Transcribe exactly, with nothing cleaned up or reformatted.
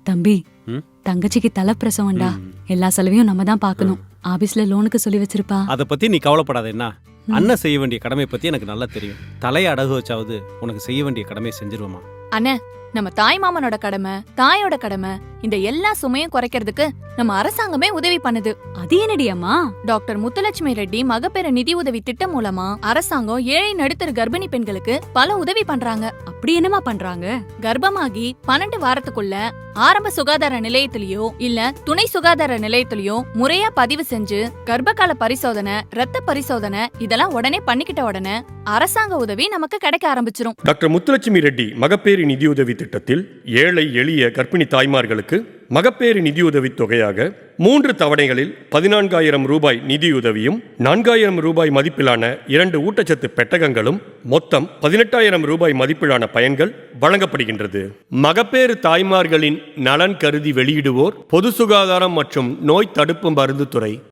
தம்பி, ம்? தங்கச்சிக்கு தலைப்பிரசவம்டா. ம். எல்லா செலவையும் நம்ம தான் பார்க்கணும். ஆபீஸ்ல லோனுக்கு சொல்லி வச்சிருப்பா. அதை பத்தி நீ கவலைப்படாத. என்ன அண்ணன் செய்ய வேண்டிய கடமை பத்தி எனக்கு நல்லா தெரியும். தலையை அடகு வச்சாவது உனக்கு செய்ய வேண்டிய கடமையை செஞ்சிருவோமா? அண்ணே, நம்ம தாய் மாமனோட கடமை, தாயோட கடமை, இந்த எல்லா சுமையும் குறைக்கிறதுக்கு நம்ம அரசாங்கமே உதவி பண்ணுது. அது என்னடி அம்மா? டாக்டர் முத்துலட்சுமி ரெட்டி மகப்பேறு நிதி உதவி திட்டம் மூலமா அரசாங்கம் ஏழை நடுத்தர கர்ப்பிணி பெண்களுக்கு பல உதவி பண்றாங்க. அப்படி என்னமா பண்றாங்க? கர்ப்பமாகி பன்னெண்டு வாரத்துக்குள்ள ஆரம்ப சுகாதார நிலையத்திலயோ இல்ல துணை சுகாதார நிலையத்திலயோ முறையா பதிவு செஞ்சு கர்ப்பகால பரிசோதனை, ரத்த பரிசோதனை இதெல்லாம் உடனே பண்ணிக்கிட்ட உடனே அரசாங்க உதவி நமக்கு கிடைக்க ஆரம்பிச்சிரும். டாக்டர் முத்துலட்சுமி ரெட்டி மகப்பேறு நிதியுதவி திட்டத்தில் ஏழை எளிய கர்ப்பிணி தாய்மார்களுக்கு மகப்பேறு நிதியுதவி தொகையாக மூன்று தவணைகளில் பதினான்காயிரம் ரூபாய் நிதியுதவியும் நான்காயிரம் ரூபாய் மதிப்பிலான இரண்டு ஊட்டச்சத்து பெட்டகங்களும் மொத்தம் பதினெட்டாயிரம் ரூபாய் மதிப்பிலான பயன்கள் வழங்கப்படுகின்றது. மகப்பேறு தாய்மார்களின் நலன் கருதி வெளியிடுவோர் பொது சுகாதாரம் மற்றும் நோய் தடுப்பு மருந்து துறை.